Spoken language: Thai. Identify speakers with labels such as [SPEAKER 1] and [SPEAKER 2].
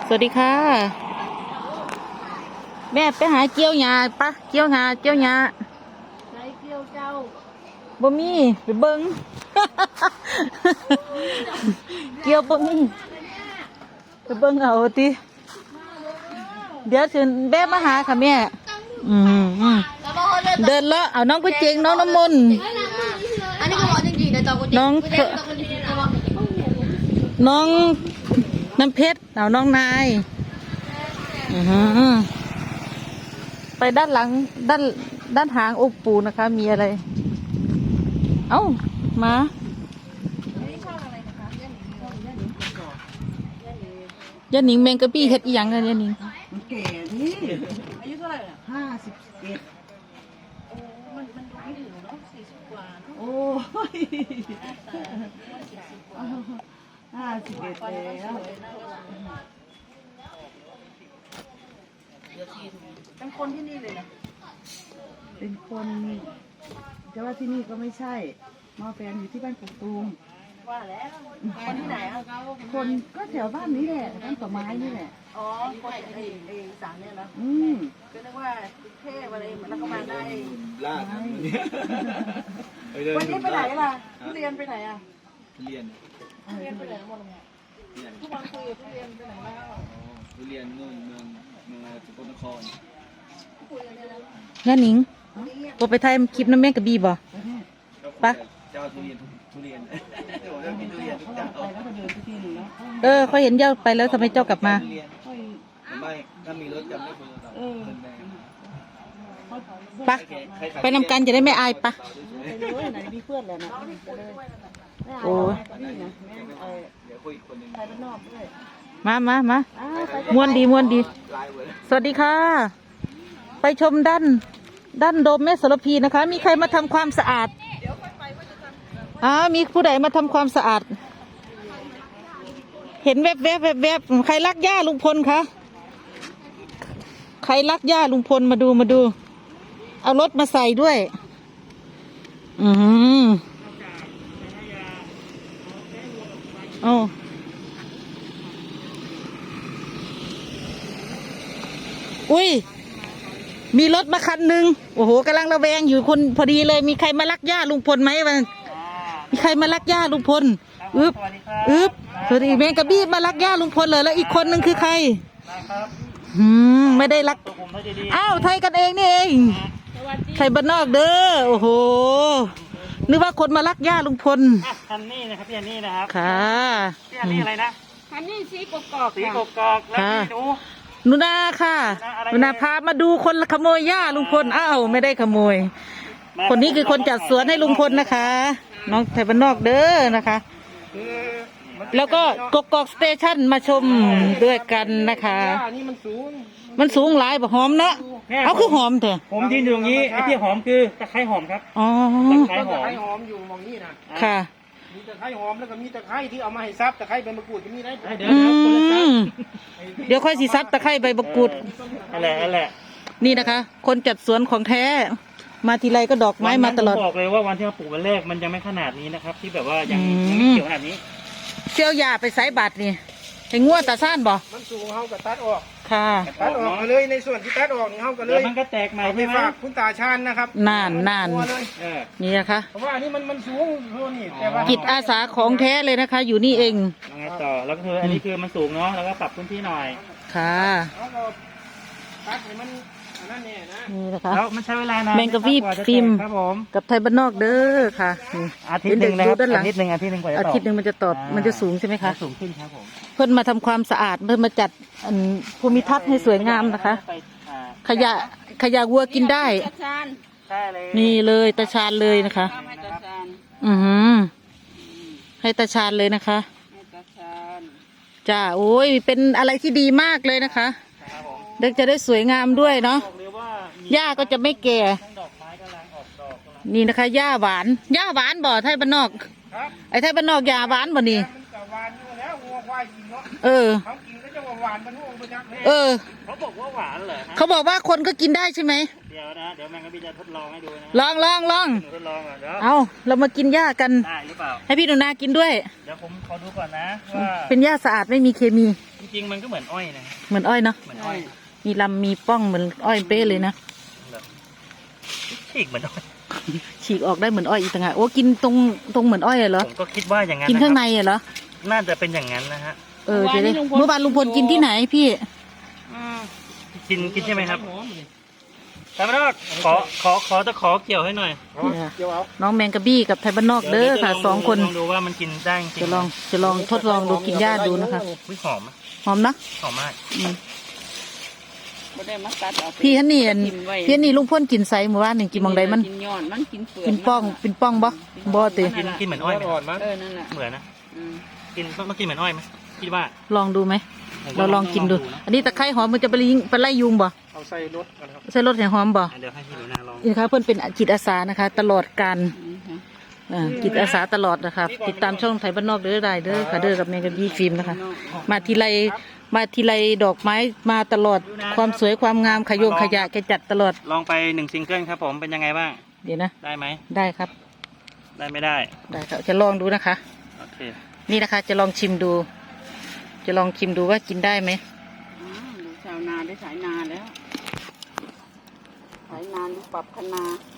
[SPEAKER 1] สวัสดีค่ะแม่ไปหาเกี่ยวหญ้าปะเกี่ยวหญ้าใช้เกี่ยวเจ้าบ่มีไปเบิ่ง เกี่ยวบ่มีไปเบิ่งเอาติเดี๋ยวถึงแม่มาหาค่ะแม่เดินเลาะเอาน้องกุเจงน้องน้ำมนต์
[SPEAKER 2] อันนี้ก็บอกจริงๆนะจอกุเจง
[SPEAKER 1] น้องน้ำเพชรเอาน้องนายไปด้านหลังด้านหางองค์ปู่นะคะมีอะไรเอ้ามาย่าหนิงแมงกะบี้เฮ็ดอีหยังกันย่าหนิง
[SPEAKER 3] มันแก่นี่อายุเท่าไหร่51โอ้มันดูไม่ถึงเนาะ40 กว่าเนาะโอ้ย51แล้วเป็นคนที่นี่เลยนะเป็นคนแต่ว่าที่นี่ก็ไม่ใช่มาแฟนอยู่ที่บ้านกกตูมว่าแล้วคนที่ไหนอ่ะคนก็แถวบ้านนี้แหละบ้านต่อไม้นี่แหละอ๋อคนไอ้สามเนี่ยนะก็นึกว่าเทพอะไรแล้วก็มาได้ลาดวันนี้ไปไหนล่ะเรียนไปไหนอ่ะเรียนไปไหนหมดเลยทุกวันคุยกับเรียนไปไหนบ้าง
[SPEAKER 4] เรียนนู่นเมืองสกลนคร
[SPEAKER 1] ย่าหนิงก็ไปถ่ายคลิปน้ำแม่กะบี้บ่ปะ
[SPEAKER 4] เจ้าทุเรียนทุเรียน
[SPEAKER 1] เขาเห็นเจ้าไปแล้วทำไมเจ้ากลับมา
[SPEAKER 4] ไม่ถ้ามีรถจำได้คน
[SPEAKER 1] ปะไปนำกันจะได้ไม่อายปะ
[SPEAKER 3] ไหนมีเพื่อนแล้วนะ
[SPEAKER 1] โอ้
[SPEAKER 4] เดี๋ยวคุยคนนึง
[SPEAKER 1] มาม้วนดีสวัสดีค่ะไปชมด้านโดมแม่โสระพีนะคะมีใครมาทำความสะอาดมีผู้ใดมาทำความสะอาดเห็นแวบใครรักย่าลุงพลคะใครรักย่าลุงพลมาดูเอารถมาใส่ด้วยอุ้ยมีรถมาคันหนึ่งโอ้โหกำลังระแวงอยู่คนพอดีเลยมีใครมารักย่าลุงพลไหมวะมีใครมารักย่าลุงพลสวัสดีแมงกะบี้มารักย่าลุงพลเลยแล้วอีกคนหนึ่งคือใครไม่ได้รักอ้าวไทยกันเองนี่เองไทยบ้านนอกเด้อโอ้โหนึกว่าคนมารักย่าลุงพล
[SPEAKER 5] ฮันนี่นะครับพี่ฮันนี่นะครับ
[SPEAKER 1] ค่ะ
[SPEAKER 5] พี่ฮันนี่อะไรนะ
[SPEAKER 2] ฮันนี่สีกกอก
[SPEAKER 5] แล้วพี่
[SPEAKER 1] หนูนาค่ะหนูนาพามาดูคนขโมยหญ้าลุงพลอ้าวไม่ได้ขโมยคนนี้คือคนจัดสวนให้ลุงพลนะคะน้องไทยบ้านนอกเด้อนะคะแล้วก็กกอกสเตชันมาชมด้วยกันนะคะมันสูงหลายบ่หอมเนาะเอาคือหอมแต่
[SPEAKER 5] ผมยืนอยู่ตรงนี้ไอ้ที่หอมคือตะไคร้หอมครับ
[SPEAKER 1] อ๋อ
[SPEAKER 5] ตะไคร้
[SPEAKER 3] หอมอยู่มองนี่นะ
[SPEAKER 1] ค่ะ
[SPEAKER 3] มีตะไคร้หอมแล้วก็มีตะไคร้ที่เอามาให้ซับตะไคร้ใบมะกรูดก็มีได้
[SPEAKER 1] เดี๋ยวค่อยสิซับตะไคร้ใบมะกรูด
[SPEAKER 5] อะไร
[SPEAKER 1] นี่นะคะคนจัดสวนของแท้มาทีไรก็ดอกไม้มาตลอด
[SPEAKER 5] บอกเลยว่าวันที่เราปลูกวันแรกมันยังไม่ขนาดนี้นะครับที่แบบว่ายังไม่เขียวขนาดนี้
[SPEAKER 1] เชี่ยวยาไปไซบัตรนี่ให้งัวตาซ่านบ่
[SPEAKER 3] มันสูงเฮากับตัดออก
[SPEAKER 1] ค่ะ
[SPEAKER 3] ตัดออกเลยในส่วนที่ตัดออกนี่เฮาก็เลย
[SPEAKER 5] มันก็แตกใหม่
[SPEAKER 3] ไปฝากคุณตาชาญนะครับ
[SPEAKER 1] นานนี่นะคะ
[SPEAKER 3] เพราะว่าอันนี้มันสูงเท่านี้แต่ว่า
[SPEAKER 1] จิตอาสาของแท้เลยนะคะอยู่นี่เอง
[SPEAKER 5] ยังไงต่อแล้วก็คืออันนี้คือมันสูงเนาะแล้วก็ปรับพื้นที่หน่อย
[SPEAKER 1] ค่ะ
[SPEAKER 3] ตัดให้มันนั่นเนี่ยนะ
[SPEAKER 1] นี่นะคะ
[SPEAKER 5] แล้วมันใช้เวลานาน
[SPEAKER 1] แมงกะบี้ฟิล์ม
[SPEAKER 5] ครับผม
[SPEAKER 1] กับไทยบ้านนอกเด้อค่ะ
[SPEAKER 5] อาทิตย์หนึ่งนะครับอาทิตย์หนึ่งกว่าจะตอบ
[SPEAKER 1] อาทิตย์หนึ่งมันจะตอบมันจะสูงใช่ไหมคะ
[SPEAKER 5] สูงขึ้นครับผม
[SPEAKER 1] เพิ่นมาทำความสะอาดเพิ่นมาจัดภูมิทัศน์ให้สวยงามนะคะขยะวัวกินได้นี่เลยตาชาญเลยนะคะให้ตาชาญเลยนะคะจ้าโอ้ยเป็นอะไรที่ดีมากเลยนะคะเด็กจะได้สวยงามด้วยเนาะหญ้าก็จะไม่แก่นี่นะคะหญ้าหวานบ่ไทยบ้านนอกไอ้ไทยบ้านนอกหญ้าหวานบ่นี่
[SPEAKER 5] เขาบอกว่าหวานเหรอ
[SPEAKER 1] เขาบอกว่าคนก็กินได้ใช่ไหม
[SPEAKER 5] เดี๋ยวแมงกะบี้จะทดลองให้ดูนะ
[SPEAKER 1] ลอง
[SPEAKER 5] ทดลองอ่ะเดี๋ยว
[SPEAKER 1] เอาเรามากินหญ้ากัน
[SPEAKER 5] ได้หรือเปล่า
[SPEAKER 1] ให้พี่หนูนากินด้วย
[SPEAKER 5] เดี๋ยวผมขอดูก่อนนะว่า
[SPEAKER 1] เป็นหญ้าสะอาดไม่มีเคมี
[SPEAKER 5] จริงๆมันก็เหมือนอ้อยนะ
[SPEAKER 1] เหมือนอ้อยเนาะ
[SPEAKER 5] เหมือนอ้อย
[SPEAKER 1] มีลำมีป้องเหมือนอ้อยเป๊ะเลยนะ
[SPEAKER 5] แบบฉีกเหมือนอ้อย
[SPEAKER 1] ฉีกออกได้เหมือนอ้อยอีกต่างหากโอ้กินตรงเหมือนอ้อยเหรอ
[SPEAKER 5] ผมก็คิดว่าอย่างนั้น
[SPEAKER 1] กินข้างใน
[SPEAKER 5] นะครับ
[SPEAKER 1] เหรอ
[SPEAKER 5] น่าจะเป็นอย่างนั้นนะฮะ
[SPEAKER 1] เออจะได้เมื่อวานลุงพลกินที่ไหนพี่
[SPEAKER 5] กินใช่ไหมครับแต่ไม่ต้องขอตะขอเกี่ยวให้หน่อย
[SPEAKER 1] น้องแมงกะบี้กับไทยบ้านนอกเด้อค่ะ
[SPEAKER 5] ดี๋ยว
[SPEAKER 1] สองคน
[SPEAKER 5] ลองดูว่ามันกินได้จริง
[SPEAKER 1] จะลองทดลองดูกินหญ้าดูนะคะ
[SPEAKER 5] อุ๊ยหอมอะ
[SPEAKER 1] หอมนะ
[SPEAKER 5] หอมมาก
[SPEAKER 1] อืม
[SPEAKER 3] บ่ได้มาตัดเอาไป
[SPEAKER 1] พี่ฮันนี่อัน
[SPEAKER 3] กินไว้
[SPEAKER 1] พี่ฮันนี่ลุงพ่นกินไซหมู่บ้านหนึ่งกินมองใดมัน
[SPEAKER 3] กินยอดมันกินเปลือก
[SPEAKER 1] เป็นป้องบ่ติ
[SPEAKER 5] กินเหมือนอ้อยไหม
[SPEAKER 3] นั่นแหละ
[SPEAKER 5] เหมือนนะ
[SPEAKER 3] อืม
[SPEAKER 5] กินต้องกินเหมือนอ้อยไหมคิดว่า
[SPEAKER 1] ลองดูไหม
[SPEAKER 5] ผม
[SPEAKER 1] เรา
[SPEAKER 5] ว่า
[SPEAKER 1] ลองกินดู
[SPEAKER 5] นะ
[SPEAKER 1] อันนี้ตะไคร้หอมมันจะไปไล่ยุงบ่
[SPEAKER 5] เอาใส่รถกันครับ
[SPEAKER 1] ใส่รถแห่หอมบ่
[SPEAKER 5] เดี๋ยวให้พี่หนูนาลอง
[SPEAKER 1] นี่นะคะเพื่อนเป็นจิตอาสานะคะ ตลอดการจิตอาสาตลอดนะคะติดตามช่องไทยบ้านนอกเด้อได้เด้อค่ะเด้อกับแมงกะบี้ฟิล์มนะคะ มาทีไรดอกไม้มาตลอดความสวยความงามขยงขยะแกจัดตลอด
[SPEAKER 5] ลองไป1ซิงเกิลครับผมเป็นยังไงบ้าง
[SPEAKER 1] เดี๋ยวนะ
[SPEAKER 5] ได้ไหม
[SPEAKER 1] ได้ครับ
[SPEAKER 5] ได้ไม่ได้
[SPEAKER 1] ได้ครับจะลองดูนะคะ
[SPEAKER 5] โอเค
[SPEAKER 1] นี่นะคะ จะลองชิมดู จะลองชิมดูว่ากินได้ไหม
[SPEAKER 3] ดูชาวนาได้สายนาแล้วสายนาดูปรับคณา